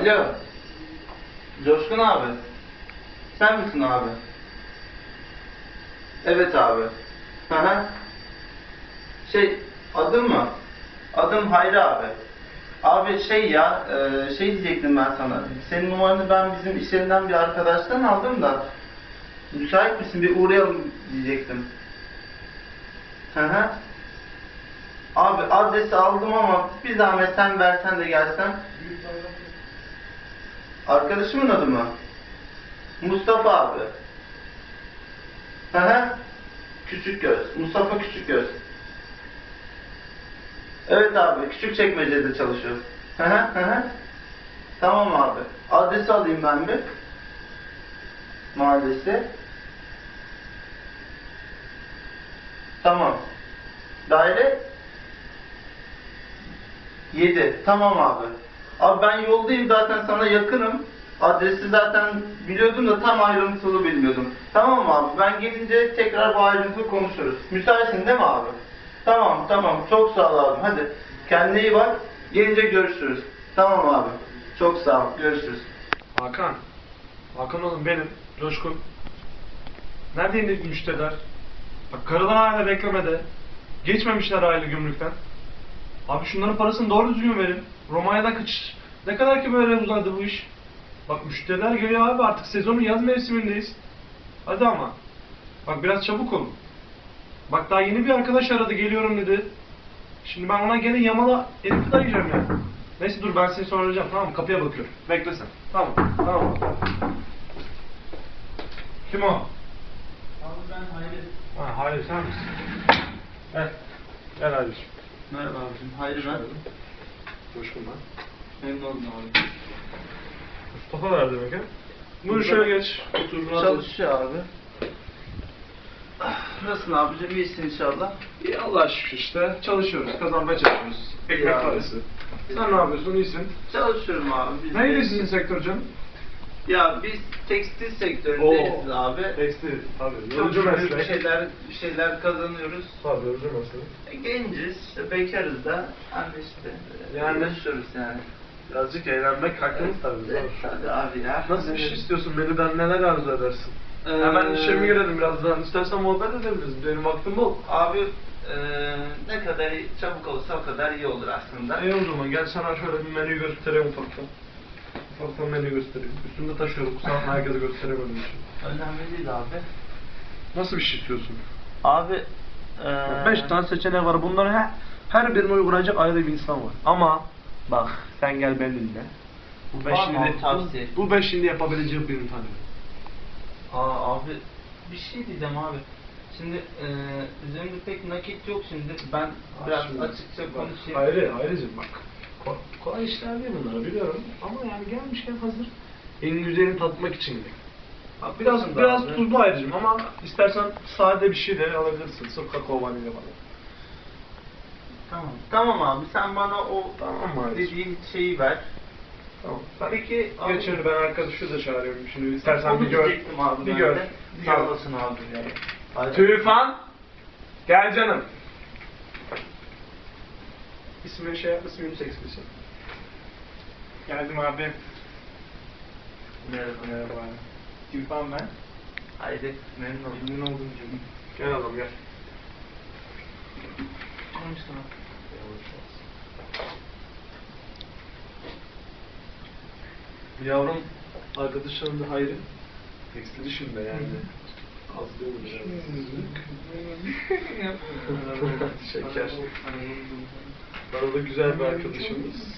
Alo. Coşkun abi. Sen misin abi? Evet abi. Hı hı. Adım mı? Adım Hayri abi. Abi şey diyecektim ben sana. Senin numaranı ben bizim iş yerinden bir arkadaştan aldım da. Müsait misin? Bir uğrayalım diyecektim. Hı hı. Abi adresi aldım ama bir zahmet sen versen de gelsen. Arkadaşımın adı mı? Mustafa abi. Hı hı. Küçükgöz. Mustafa Küçükgöz. Evet abi. Küçükçekmece'de çalışıyor. Hı hı hı hı. Tamam abi. Adresi alayım ben bir. Mahallesi. Tamam. Daire 7. Tamam abi. Abi ben yoldayım zaten sana yakınım. Adresi zaten biliyordum da tam ayrıntılı bilmiyordum. Tamam abi. Ben gelince tekrar bu ayrıntılı konuşuruz. Müsaitsin değil mi abi? Tamam tamam. Çok sağ ol abi. Hadi. Kendine iyi bak. Gelince görüşürüz. Tamam abi. Çok sağ ol. Görüşürüz. Hakan. Hakan oğlum benim. Coşkun. Nerede indik müşteriler? Bak karılar hala beklemede. Geçmemişler aile gümrükten. Abi şunların parasını doğru düzgün verin. Romanya'da kaç... Ne kadar ki böyle uzadı bu iş? Bak müşteriler geliyor abi, artık sezonun yaz mevsimindeyiz. Hadi ama. Bak biraz çabuk olun. Bak daha yeni bir arkadaş aradı, geliyorum dedi. Şimdi ben ona gene yamala elimi dayayacağım ya. Neyse dur, ben seni sonra arayacağım, tamam mı? Kapıya bakıyorum. Bekle sen. Tamam. Tamam. Kim o? Abi ben Hayri. Ha, Hayri sen misin? Gel. Gel Hayri'cim. Merhaba abicim. Hayri ben. Coşkun ben. Memnun oldum abi. Mustafa var demek ha? Buyur şöyle geç. Otur. rahat ol. Çalışıyor abi. Nasılsın abicim? İyisin inşallah. İyi Allah'a şükür işte. Çalışıyoruz. Kazanmaya çalışıyoruz. Ekmek Ya. parası. Sen ne yapıyorsun? İyisin. Çalışıyorum abi. Biz Neydi de- sizin sektör canım? Ya biz tekstil sektöründeyiz abi. Tekstil. Tabii. Çok Yorucu şükür meslek. bir şeyler kazanıyoruz. Tabii yorucu meslek. Genciz, işte bekarız da. Hani işte Yani- uğraşıyoruz yani. Birazcık eğlenmek hakkımız tabii. Evet, tabii abi ya. Nasıl bir şey istiyorsun? Menüden neler arzu edersin? Hemen işe mi girelim birazdan? İstersen muhabbet edebiliriz. Benim vaktim bol. Abi ne kadar çabuk olsa o kadar iyi olur aslında. İyi o zaman gel sana şöyle bir menüyü göstereyim ufaktan. Ufaktan menüyü göstereyim. Üstümde taşıyorum. Kusura bakma, herkese gösteremedim için. Önemli değil abi. Nasıl bir şey istiyorsun? Abi 5 tane seçenek var. Bunların her birine uygulayacak ayrı bir insan var. Ama bak sen gel benimle. Bu Var mı abi tavsiye? bu 5 şimdi yapabileceğim birini tanıyorum. Abi bir şey diyeceğim abi. Şimdi üzerimde pek nakit yok şimdi. Ben biraz Şimdi açıkça bak, konuşayım. Hayricim bak. Kolay işler değil bunlar biliyorum. Ama yani gelmişken hazır. En güzelini tatmak için de. Bak, biraz abi. tuzlu Hayricim ama istersen sade bir şey de alabilirsin. Sırf kakao vanilya falan. Tamam. Tamam abi sen bana o Tamam mı Hayricim? dediğin şeyi ver. Tamam. Sen Peki abi. geç şöyle, ben arkadaşı da çağırıyorum şimdi. İstersen Onu bir gör. diyecektim abi Bir ben gör. de. Bir Sağ gör. olasın abi. Hadi. Tüfan. Gel canım. İsmini şey yap, ismini seçmişsin. Geldim abi. Merhaba. Merhaba abi. Tüfan ben. Haydi memnun oldum. Memnun oldum canım. Gel adam gel. Konuştum. Yavrum arkadaşlarım da Hayri. Tekstil işinde yani. Az değil mi? Şeker. Bana da güzel bir arkadaşımız.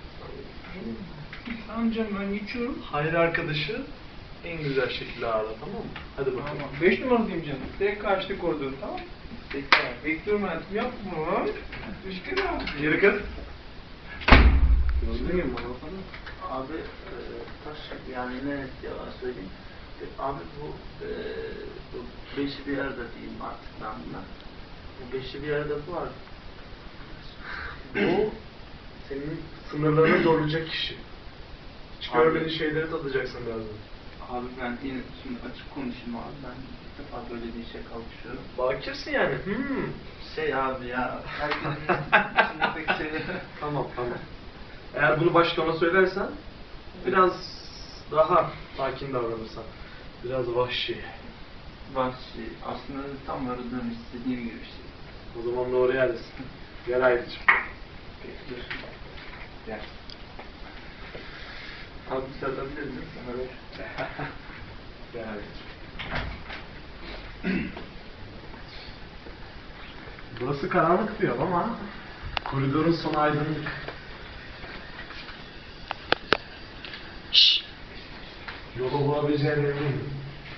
Tamam canım ben geçiyorum. Hayri arkadaşı en güzel şekilde ağırla, tamam mı? Hadi bakalım. Tamam. 5 numaradayım canım. Direkt karşıda koridor, tamam mı? Peki. Bekliyorum hayatım, yapma. Düşkün abi. Yürü kız. Gördün mü bana falan? Abi taş yani ne yalan söyleyeyim. Abi bu beşi bir arada diyeyim artık ben buna. Bu beşi bir arada bu var. Bu senin sınırlarını zorlayacak kişi. Hiç Abi. görmediğin şeyleri tadacaksın birazdan. Abi ben yine şimdi açık konuşayım abi. Ben ilk defa böyle bir işe kalkışıyorum. Bakirsin yani. Şey abi ya. Herkesin içindeki şeyleri. Tamam. Eğer bunu başta ona söylersen Biraz daha sakin davranırsan. Biraz vahşi. Vahşi. Aslında tam aradığım istediğim gibi bir şey. O zaman doğru yerdesin. Gel Ayrıcığım. Dur. Gel. Abi satabiliriz değil mi sana ver? Gel Ayrıcığım. Burası karanlık diyor ama koridorun sonu aydınlık. Yolu bulabileceğine eminim.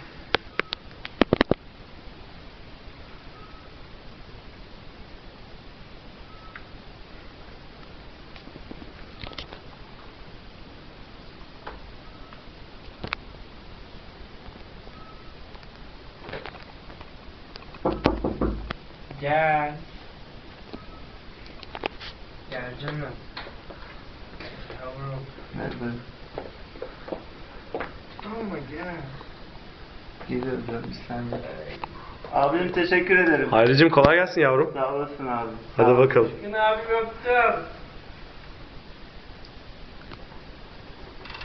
Gel. Gel canım. Yavrum. Nerede? Ama gel. Geliyorum canım bir saniye. Abim teşekkür ederim. Ayrıcığım kolay gelsin yavrum. Sağ olasın abi. Hadi bakalım. Düşkün abim öptüm.